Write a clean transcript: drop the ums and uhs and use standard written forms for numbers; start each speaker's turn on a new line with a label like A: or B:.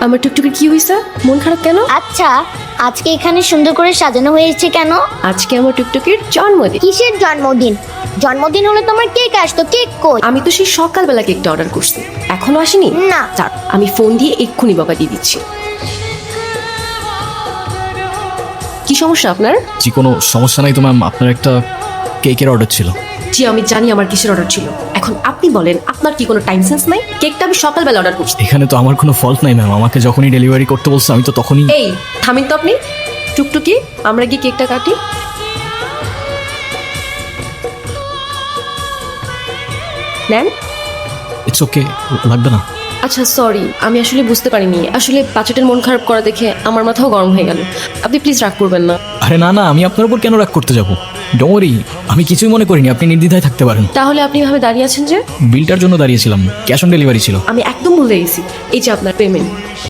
A: আমার টুকটুকির কি হয়েছে? মন খারাপ কেন?
B: আচ্ছা, আজকে এখানে সুন্দর করে সাজানো হয়েছে কেন?
A: আজকে আমার টুকটুকির জন্মদিন।
B: কিসের জন্মদিন? জন্মদিন হলে তোমার কেক আসতো, কেক কই?
A: আমি তো সেই সকালবেলা কেকটা অর্ডার করছি, এখনো আসেনি।
B: না।
A: যাক, আমি ফোন দিয়ে এক্ষুনি বকা দিয়ে দিচ্ছি। কি সমস্যা আপনার?
C: জি কোনো সমস্যা নাই তো ম্যাম, আপনার একটা কেকের অর্ডার ছিল।
A: জি আমি জানি আমার কিসের অর্ডার ছিল। এখন আপনি বলেন, আপনার কি কোনো টাইম সেন্স নাই? কেকটা আমি সকালবেলা অর্ডার করছি।
C: এখানে তো আমার কোনো ফল্ট নাই ম্যাম, আমাকে যখনই ডেলিভারি করতে বলছে আমি তো তখনই।
A: এই থামিন তো আপনি। টুকটুকি, আমরা কি কেকটা কাটি? নেন।
C: ইটস ওকে, লাগবে না।
A: আচ্ছা সরি, আমি আসলে বুঝতে পারিনি। আসলে বাচ্চাটার মন খারাপ করা দেখে আমার মাথাও গরম হয়ে গেল। আপনি প্লিজ রাগ করবেন না।
C: আরে না না, আমি আপনার উপর কেন রাগ করতে যাবো? ডোমরি, আমি কিছুই মনে করিনি, আপনি নির্দ্বিধায় থাকতে পারেন।
A: তাহলে আপনি এভাবে দাঁড়িয়ে আছেন যে?
C: বিলটার জন্য দাঁড়িয়েছিলাম, ক্যাশ অন ডেলিভারি ছিল।
A: আমি একদম ভুলে গেছি। এই যে আপনার পেমেন্ট।